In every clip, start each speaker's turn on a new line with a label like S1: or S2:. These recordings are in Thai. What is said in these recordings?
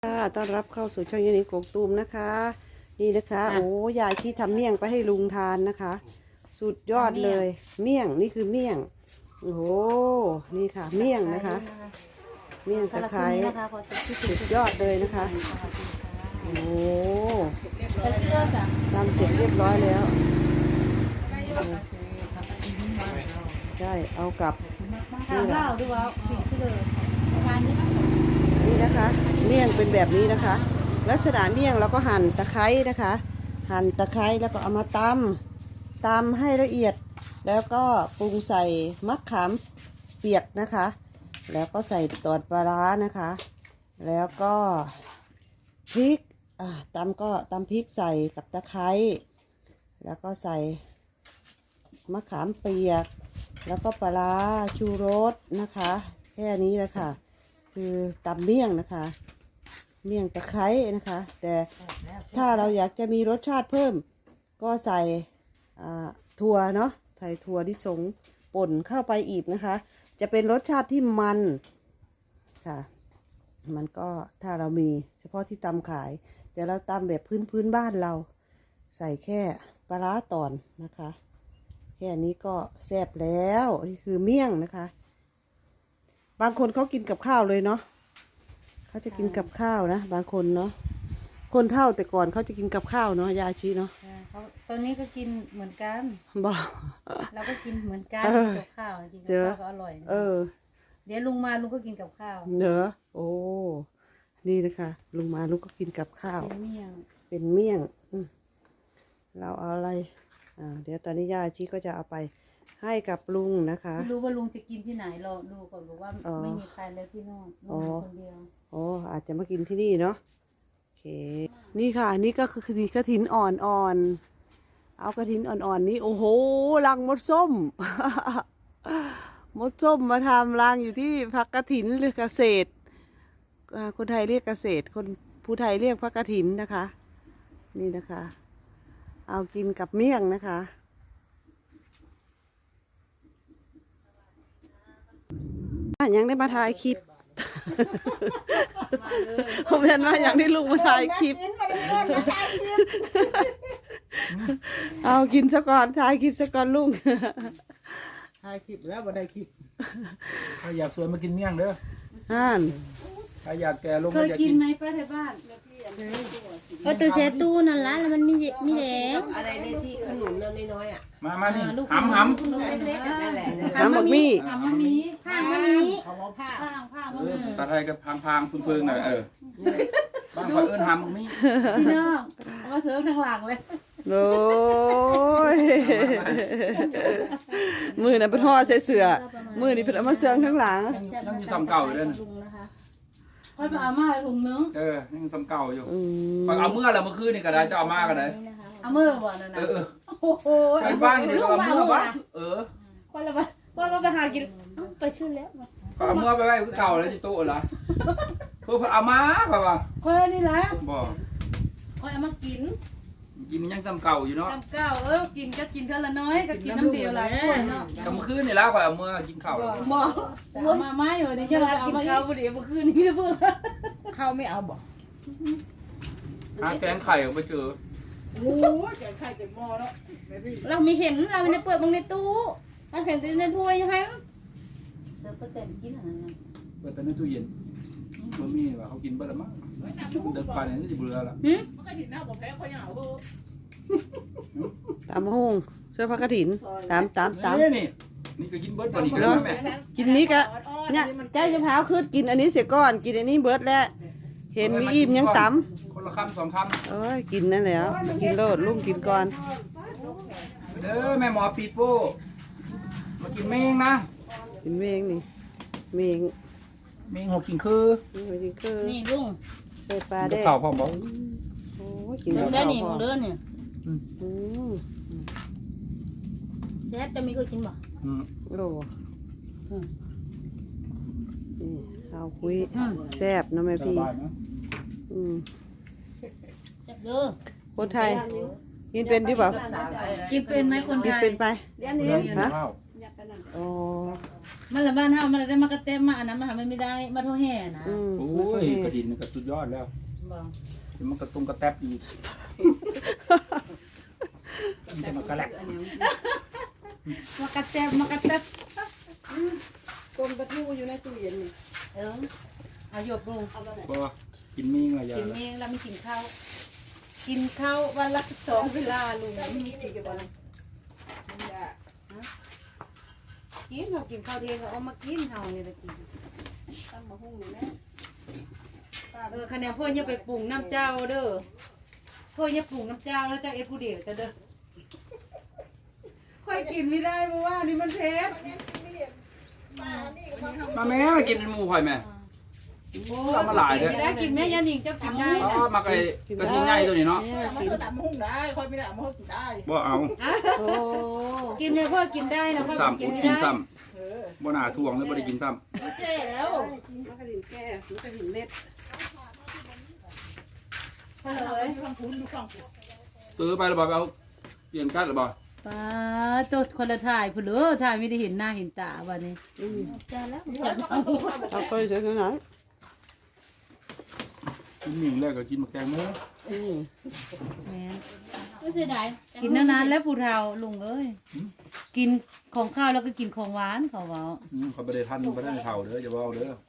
S1: ต้อนรับเข้าสู่ช่องยูนิโกกตูมนะคะนี่นะคะโอ้ยายที่ทำเมี่ยงไปให้ลุงทานนะคะ สุดยอดเลยเมี่ยงนี่คือเมี่ยงโอ้โหนี่ค่ะเมี่ยงนะคะเมี่ยงตะไคร้สุดยอดเลยนะคะโอ้ทำเสร็จเรียบร้อยแล้วใช่เอากลับนี่แหละนี่นะคะเมี่ยงเป็นแบบนี้นะคะลักษณะเมี่ยงเราก็หั่นตะไคร้นะคะหั่นตะไคร้แล้วก็เอามาตำให้ละเอียดแล้วก็ปรุงใส่มะขามเปียกนะคะแล้วก็ใส่ตอดปลาร้านะคะแล้วก็พริกตำพริกใส่กับตะไคร้แล้วก็ใส่มะขามเปียกแล้วก็ปลาร้าชูรสนะคะแค่นี้แหละค่ะคือตำเมี่ยงนะคะเมี่ยงตะไคร้นะคะแต่ถ้าเราอยากจะมีรสชาติเพิ่มก็ใส่ถั่วเนาะใส่ถั่วลิสงป่นเข้าไปอีกนะคะจะเป็นรสชาติที่มันค่ะมันก็ถ้าเรามีเฉพาะที่ตำขายแต่เราตำแบบพื้นบ้านเราใส่แค่ปลาร้าตอนนะคะแค่นี้ก็แซ่บแล้วนี่คือเมี่ยงนะคะบางคนเขากินกับข้าวเลยเนาะเขาจะกินกับข้าวนะบางคนเนาะคนเฒ่าแต่ก่อนเขาจะกินกับข้าวเนาะยาชีเนาะ
S2: ตอนนี้ก็กินเหมือนกัน
S1: บอก
S2: เราก็กินเหมือนกันกับข้าวจริงๆกับข้าวก็อร่อยเดี๋ยวลุงมาลุงก็กินกับข้าว
S1: เนอะโอ้นี่นะคะลุงมาลุงก็กินกับข้าว
S2: เป็นเมี่ยง
S1: เราเอาอะไรเดี๋ยวตอนนี้ยาชีก็จะเอาไปให้กับลุงนะคะ
S2: ไม่รู้ว่าลุงจะกินที่ไหนรอดูก่อนบอกว่าไม่มีใครแล้วที่นู่นลุงคนเดียว
S1: อาจจะมากินที่นี่เนาะโอเคนี่ค่ะนี่ก็คือกระถินอ่อนเอากระถินอ่อนนี้โอ้โหรังมดส้ม มดส้มมาทำรังอยู่ที่พักกระถินหรือเกษตรคนไทยเรียกเกษตรคนผู้ไทยเรียกพักกระถินนะคะนี่นะคะเอากินกับเมี่ยงนะคะยังได้มาถ่ายคลิปผมเห็นว่าอย่างที่ลุงมาถ่ายคลิปเอากินซะก่อนถ่ายคลิปซะก่อนลุง
S3: ถ่ายคลิปแล้วมาได้คลิปถ้าอยากสวยมากินเมี่ยงเด้อถ้าอยากแก่ลง
S2: เคยกินไหมป้าแถวบ้าน
S4: พอตัวเซตู้นั่นละแล้วมันมีแดง
S5: อะไรเนี่ยที่ขนุนเรื่องน้อยๆอ่ะ
S3: มานี่หำ
S5: นั่นแหละ
S1: หำบักมี่
S2: ข้างมันนี้
S3: ผ้าภาษาไทยก็พังพึ่งหน่อยบางคนหำบักมี่
S2: พี่น้องเอามาเสิร์ฟทางหลังเลย
S1: โอ้ยมือน่ะเป็นห่อใส่เสื้อมือนี่เป็นเอามาเสืองทั้งหลัง
S3: ยังอยู่ซ้ำเก่าอยู่เลย
S2: ค่อยมาเอามาถุงนึง
S3: ยังซ้ำเก่าอยู่เอาเมื่อแล้วเมื่อคืนนี่ก็ได้จะเอามาก็ได้
S2: เอาเมื่อบ่นั่นนะ
S3: โอ้โหไปบ้านนี่ก็เอาเมื่อบ้าน
S4: ก็เราไปหากินไปชื่อแล้ว
S3: ก็เอาเมื่อไปไว้คือเก่าเลยที่ตู้เหรอเพื่อเอามาค่ะว่า
S2: ค่อยนี่แหละ
S3: บอก
S2: ค่อยเอามากิน
S3: ยังซ้ำเก่าอยู่เนาะ
S2: ซ้ำเก่ากินก็กินเท่าละน้อยก็กินน้ำเดียวหลายคนเนาะ
S3: ก็เมื่อคืนนี่แล้วก็เอาเมื่อกินข้าว
S2: บอกมาไม่เหรอนี่ใช่ไหมกินข้าวพอดีเมื่อคืนนี้เพื่อน
S5: ข้าวไม่เอาบอก
S3: หาแกงไข่ไปเจอ
S5: โอ้ยแกงไข่แกงหม้อแล้ว
S4: เราไม่เห็นเราไม่ได้เปิดบางในตู้เราเห็นในถ้วยให้
S2: เดี๋ยวไปแต่งกินอะไรนั่น
S3: เปิดแต่ในตู้เย็นมันมีว่าเขากินไปแล้วมั้งเดินไปเนี่ยนี่จะเบื่อละ
S5: มันก็ถิ่นหน้าบอกแพ้ค่อยเหงา
S1: ตามห้องเสื้อผ้ากระถินตาม
S3: นี่ก็กินเบิร์ดตอนนี้ก็ได้แม่
S1: กินนี้ก็เนี่ยใจจะพาวขึ้นกินอันนี้เสียก่อนกินอันนี้เบิร์ดแล้วเห็นมีอิ่มยังต
S3: ำคนละคำ2 คำ
S1: กินนั่นแล้วกินโลดลุงกินก่อน
S3: เด้อแม่หมอปีโป้มากินเมงนะ
S1: กินเมงนี่เมง
S3: หกกินคือ
S4: นี่ลุง
S1: ใส่ปลาได้
S3: ข้าวพร้อมบ่
S1: โอ้กิน
S4: ได้นี่มึงเดินเนี่ยแซ่บจะมีเคยกินบ่
S1: โลนี่ข้าวคุยแซ่บนะแม่พี่
S4: แซ่บเด้อ
S1: คนไทยกินเป็นที่แบบ
S2: กินเป็นไหมคนไทย
S1: กินเป็นไป
S3: ฮะ
S1: โอ้
S2: มันละบ้านเฮามันได้มากระเต็มมาอันนั้นมันไม่ได้มาโทแห่นะ
S3: โอ้ยกระดินนี่ก็สุดยอดแล้ว
S2: บอก
S3: มันกระตุงกระแตบอีกมันจะมากระแลก
S2: มากระเต็มมากระเต็ม
S1: กลมกระทู้อยู่ในตู้เย็นนี่
S2: เอาหยบลง
S3: ก็กินมิ่งอะไรอย่าง
S2: กินเองแล้วไม่กินข้าวกินข้าววันละ2 เวลาลุง
S1: มีกี่กัน
S2: กินเรากินข้าวเที่ยงก็เอามากินเฮานี่ละกิน
S1: ตั้งมาหุ้งอยู่แม่
S2: คะแนนพ่ออย่าไปปรุงน้ำเจ้าเด้อพ่ออย่าปรุงน้ำเจ้าแล้วเจ้าเอ็ดผู้เดียวจะเด้อค่อยกินไม่ได้เพราะว่านี่มันเผ็ด
S3: มาแม่มากินหมูข่อยแม่ทำมาหลายเด้อ
S2: ได้กินแม่ยานิงเจ้ากินได้
S3: อ๋อ
S2: นะ
S3: มากระทิงใหญ่ตัวนี้เนาะ
S5: มันก็ตำหุ้งได้คนไม่ได้เอามาหุ้งกินได้
S3: บ่เอา
S1: โอ้
S2: กินเลยพ่อกินได้นะพ่อ
S3: ซ้ำ
S2: กินไม่
S3: กิน
S2: ได้
S3: ซ้ำบ่น่าทวงเลยบ่ได้กินซ้
S5: เจ๊แล้ว
S1: กินมันกระดิ่งแก้มันกระดิ่งเม็ด
S2: พ่อเลย
S5: ดูข้างพุ้นดูข้างพุ้น
S3: ำซื้อไปแล้วบ่เอาเปลี่ยนกันหรือบ่
S2: ป้าตัวคนละถ่ายผู้เหลือถ่ายไม่ได้เห็นหน้าเห็นตาวันนี้
S4: จ้าแล้ว
S1: เอาไปเฉยๆนั้น
S3: กินมิ่งแล้วก็กินหมกแตงโม
S2: แม่น
S4: ไม่เสียดาย
S2: กินนานๆแล้วผู้เฒ่าลุงเอ้ยกินของข้าวแล้วก็กินของหวานเขาเว้า
S3: เขาบ่ได้ทันบ่ได้เฒ่าเด้ออย่าเว้าเด้อ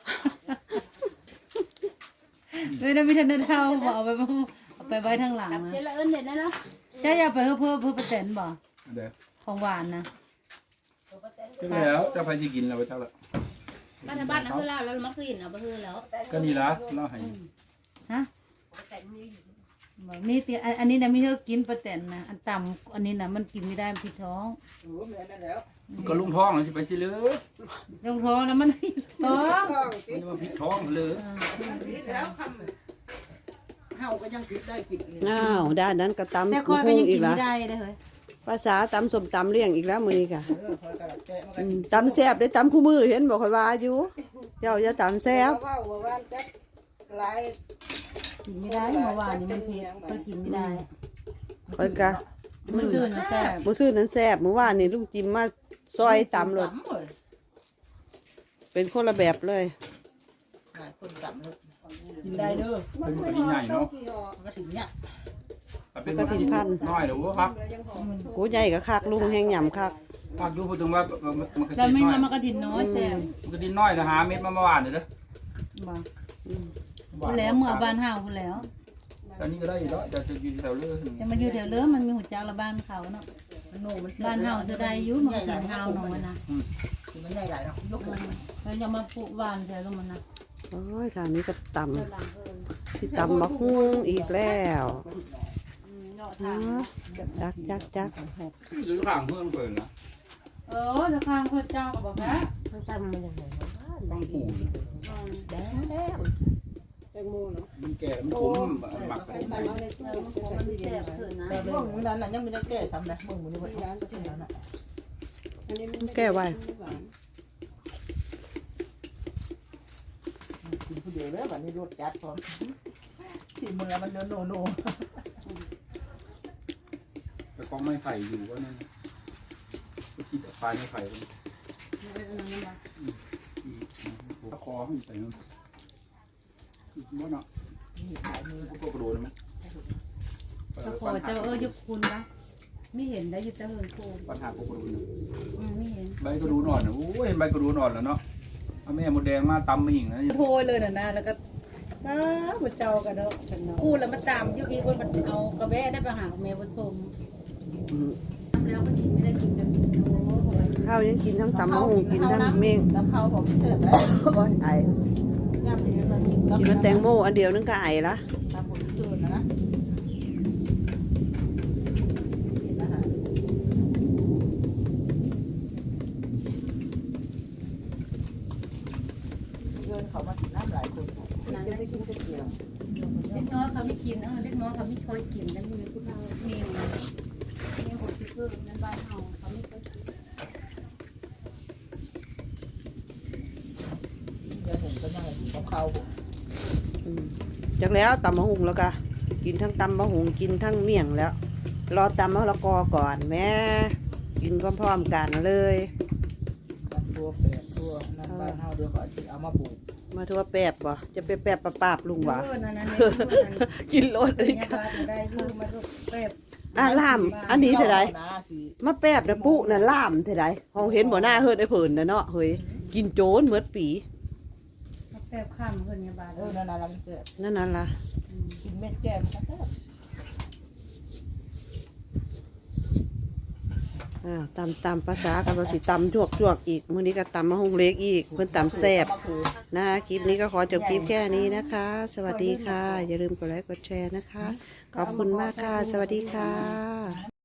S2: ไม่ได้มีทันได้เฒ่าบ่เอาไปไว้ทางหลัง
S4: ตับ
S2: นะ
S4: เจละเอิญเด็ดนะเนาะ
S2: เจ้าอย่าไปเพื่อประเต็นบ่
S3: เด้อ
S2: ของหวานนะ
S3: ถึงแล้วเจ้าไปสิกินแล้วเจ้าละ
S4: บ้านในบ้านนะเพื่อนเราแล้วมันคือเห็นเอาไปเพื่อนแล้ว
S3: ก็นี่ล่ะเราให้
S2: ฮะบ่มีติอันนี้นะมีเธอกินประเต็นนะอันต่ำอันนี้นะมันกินไม่ได้มันผิดท้อง
S5: โอ้แม่นั่นแล้ว
S3: ก็ลุงท้องสิไปสิเลย
S2: ท้องท้องแล้วมันผิดท้อง
S3: มันจะมาพิษท้องเลย
S5: แล้วคำเฮาก็ยังกินได้กิน
S1: อ้าวด้านนั้นก็ตำ
S2: แต่คอยไป
S1: หุ้ง
S2: ยัง
S1: อี
S2: กิ
S1: ก
S2: น
S1: ละ
S2: ไม่ได้เลยเฮ้ย
S1: ภาษาตำส้มตำเลี้ยงอีกแล้วมื้อนี้ค่ะ
S5: คอยกระดักแกะมันก็
S1: ตำแซ่บได้ตำคู่มือเห็นบอกค่อยว่าอยู่เจ้าอย่าตำแซ่บ
S5: ว่าว่าจะลาย
S2: กินไม่ได้เมื่อวานนี้มันเผ็ดเคยกินไม่ได้
S1: ค่อยกะ
S2: มันชื่อนะแซ่บ
S1: มื้อซื่อนั้นแซ่บเมื่อวานนี่ลุงจิมมาซอยตำรถเป็นคนละแบบเลย
S5: คนตำเลยกินได้เด้อ
S3: เป็นกระดิ่งใหญ่เนาะ
S5: มันก็ถึงเนี่ย
S3: เป็นกระดิ่งน้อยเด้อครับ
S1: กูใหญ่ก็คักลุงแห้งหย่ำคัก
S3: ภาคอยู่พูดถึงว่ามันกระ
S2: เรา
S3: ดิ่ง
S2: ไม่
S3: น้อย
S2: มากระถินน้อยแซ่บ
S3: มันกระดิ่งน้อยนะหาเม็ดมาเมื่อวานเด้อ
S2: บ่พูดแล้วเมื่อบ้านเฮาพูดแล้ว
S3: อันนี้ก็ได้อยู่แล้วจะอยู่แถวเรือ
S2: จะมาอยู่แถวเรือมันมีหัวจักละบ้านเขาเนาะบ้านเฮาจะได้อยู่มันกินเฮาหนองมันนะ
S5: มันใหญ่ใหญ่เนาะยก
S2: เราจะมาปลูกบ้านแถวลงมันนะ
S1: โอ้ยทางนี้ก็ตำที่ตำบักฮุ้งอีกแล้วอ๋อจัก
S3: อยู่ข้างเพื่อนเพิ่นนะ
S2: จะข้างพระเจ้าก็บอกนะ
S3: ต้องปูมันแก่มันขมหมัก
S2: มันมีแซ่บเถิดนะ
S5: แต่เมื่อมื้อนั้นน่ะยังไม่ได้แก้ทำนะเมื่อมื้อนี้ว่าที่นั้นน่ะ
S1: แก้ไว้
S5: กินผู้เดียวเลยวันนี้รสจัดพร้อมที่มือมันโนโน
S3: แต่กองไม้ไผ่อยู่ว่านั่นก็คิดปลายไม้ไผ่มันตะคอให้ใส่มันบ่เนาะก็กระโดดมั้ย
S2: ตะขอเจ้ายกคุณนะไม่เห็นได้อยู่แต่เหินโคม
S3: ปัญหาก็กระโดด
S2: ไม่เห็น
S3: ใบกระดูนอ่อนโอ้ยเห็นใบกระดูนอ่อนแล้วเนาะเอาแม่มดแดงมาตำมาหิ่งนะ
S2: โพยเลยนะแล้วก็มาเจ้ากันเนาะกู้แล้วมาตามยุคนี้คนมันเอากระแวะได้ไปหาแม่ผู้ชมทำแล้วก็กินไม่ได้กินกันโอ้โห
S1: ข้าวยังกินทั้งตำบักฮุ้งกินทั้งเมง
S5: น้ำเขาผมเติมแล้ว
S1: โอ้ยไอ
S5: ย่ำที่มัน
S1: กินมันแตงโมอันเดียวนึงก็ไอละ
S5: ตามหมดส่วนนะเดินเขามากินน้ำหลายคน
S1: จะไปกินก๋วยเตี๋ยว
S2: เล็กน้อยเขาไม่กินเล็กน้อยเขาไม่ค่อยกินแล้วมีผู้เฒ่ามีหัวซิเกอร์นั่นบ้านเฮาเขาไม่ค่อยกิน
S5: เดี๋ยวผมก็ยังของเขา
S1: จากแล้วตำบักฮุ้งแล้วก็กินทั้งตำบักฮุ้งกินทั้งเมี่ยงแล้ว รอตำมะละกอก่อนแม่กินพร้อมๆกันเลย
S5: ทั่วแปดทั่วนั่นบ้านเฮาเดี๋ยวก็สิเอามาปลูก
S1: มาทั่วแปบบ่จะไปแปบปราบลุงหวะ
S2: เออนั่นๆเนี่ย
S1: กินรถ
S2: เป็
S1: เล
S2: น
S1: ย
S2: ยา
S1: ค่ะ
S2: บาดได้อยู่มาลูกแป๊บ
S1: ล่ามอันนี้เท่าไร
S5: นะสิ
S1: มาแปบนะปุ๊น่ะล่ามเท่าไรห้องเห็นบ่หน้าเฮิดไอ้เพิ่นน่ะเนาะเฮ้ยกินโจรเมื่อปี
S2: แป๊บข้ามเพิ่นยาบาด
S5: นั่นน่ะมันเสีย
S1: นั่นล่ะ
S5: กินเม็ดแก้มก็ได้
S1: ตำภาษากันบ่สิตำจวกอีกมื้อนี้ก็ตำมะฮงเล็กอีกเพิ่นตำแซ่บนะคลิปนี้ก็ขอจบคลิปแค่นี้นะคะ สวัสดีค่ะ อย่าลืมกดไลค์กดแชร์นะคะ ขอบคุณมากค่ะ สวัสดีค่ะ